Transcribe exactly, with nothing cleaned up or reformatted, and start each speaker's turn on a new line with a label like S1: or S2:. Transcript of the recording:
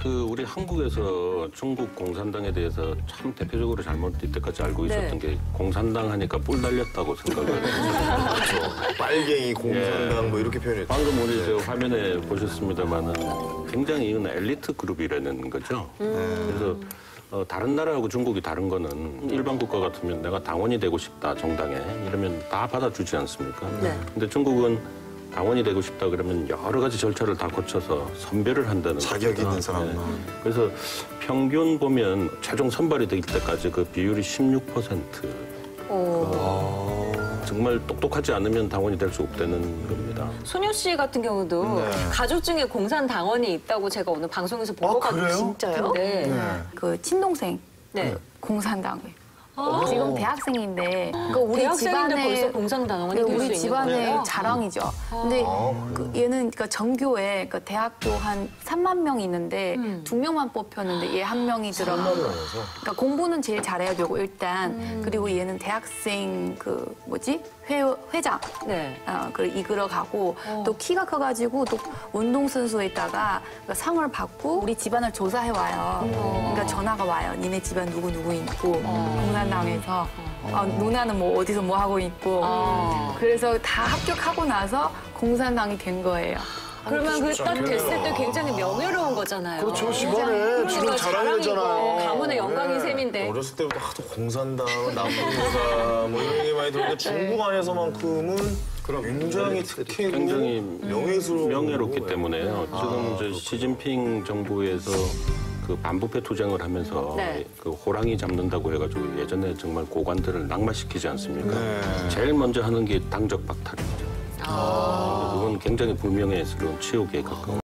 S1: 그 우리 한국에서 중국 공산당에 대해서 참 대표적으로 잘못 이때까지 알고 있었던
S2: 네.
S1: 게 공산당 하니까 뿔 달렸다고 생각을 했어요.
S3: 그렇죠. 빨갱이 공산당
S1: 예.
S3: 뭐 이렇게 표현했죠.
S1: 방금 우리 저 화면에 보셨습니다만은 굉장히 이건 엘리트 그룹이라는 거죠. 그래서 어, 다른 나라하고 중국이 다른 거는 일반 국가 같으면 내가 당원이 되고 싶다 정당에 이러면 다 받아주지 않습니까?
S2: 네.
S1: 근데 중국은 당원이 되고 싶다 그러면 여러 가지 절차를 다 거쳐서 선별을 한다는
S3: 자격
S1: 겁니다.
S3: 있는 사람만.
S1: 네. 그래서 평균 보면 최종 선발이 될 때까지 그 비율이 십육 퍼센트. 어, 정말 똑똑하지 않으면 당원이 될 수 없다는 겁니다.
S2: 소녀 씨 같은 경우도
S3: 네.
S2: 가족 중에 공산당원이 있다고 제가 오늘 방송에서 본
S3: 아,
S2: 것 같아요.
S3: 그래요?
S4: 진짜요?
S2: 네.
S3: 네.
S4: 그 친동생
S2: 네.
S4: 공산당에
S2: 아.
S4: 지금 대학생인데 그러니까 우리
S2: 대학생인데
S4: 집안의
S2: 벌써 공산당원이
S4: 네,
S2: 될 수
S4: 우리
S2: 있는
S4: 집안의
S2: 거예요?
S4: 자랑이죠. 근데 그 얘는 그러니까 전교에 그 대학교 한 삼만 명 있는데
S2: 음.
S4: 두 명만 뽑혔는데 얘 한 명이 들어가. 그러니까 공부는 제일 잘해야 되고 일단
S2: 음.
S4: 그리고 얘는 대학생 그 뭐지 회 회장.
S2: 네.
S4: 어, 그 이끌어 가고
S2: 어.
S4: 또 키가 커가지고 또 운동선수에다가 그 상을 받고 우리 집안을 조사해 와요. 그러니까 전화가 와요. 니네 집안 누구 누구 있고 공산당에서 어, 누나는 뭐 어디서 뭐 하고 있고
S2: 어.
S4: 그래서 다 합격하고 나서 공산당이 된 거예요.
S2: 그러면 그 딱
S3: 진짜
S2: 됐을 때
S3: 좋겠네요.
S2: 굉장히 명예로운 거잖아요.
S3: 그렇죠. 집안에
S2: 그러니까
S3: 지금 자랑이
S2: 자랑이고
S3: 됐잖아요.
S2: 가문의 영광인
S3: 네.
S2: 셈인데.
S3: 어렸을 때부터 하도 공산당, 남북공산 뭐 이런 얘기 많이 들었는데 중국 안에서만큼은 굉장히 특혜고
S1: 굉장히
S3: 명예스러운
S1: 명예롭기
S3: 거고.
S1: 때문에요. 지금 이제 시진핑 정부에서 그 반부패 투쟁을 하면서
S2: 네.
S1: 그 호랑이 잡는다고 해가지고 예전에 정말 고관들을 낙마시키지 않습니까?
S3: 네.
S1: 제일 먼저 하는 게 당적 박탈입니다. 그건 굉장히 불명예스러운 치욕에 가까운.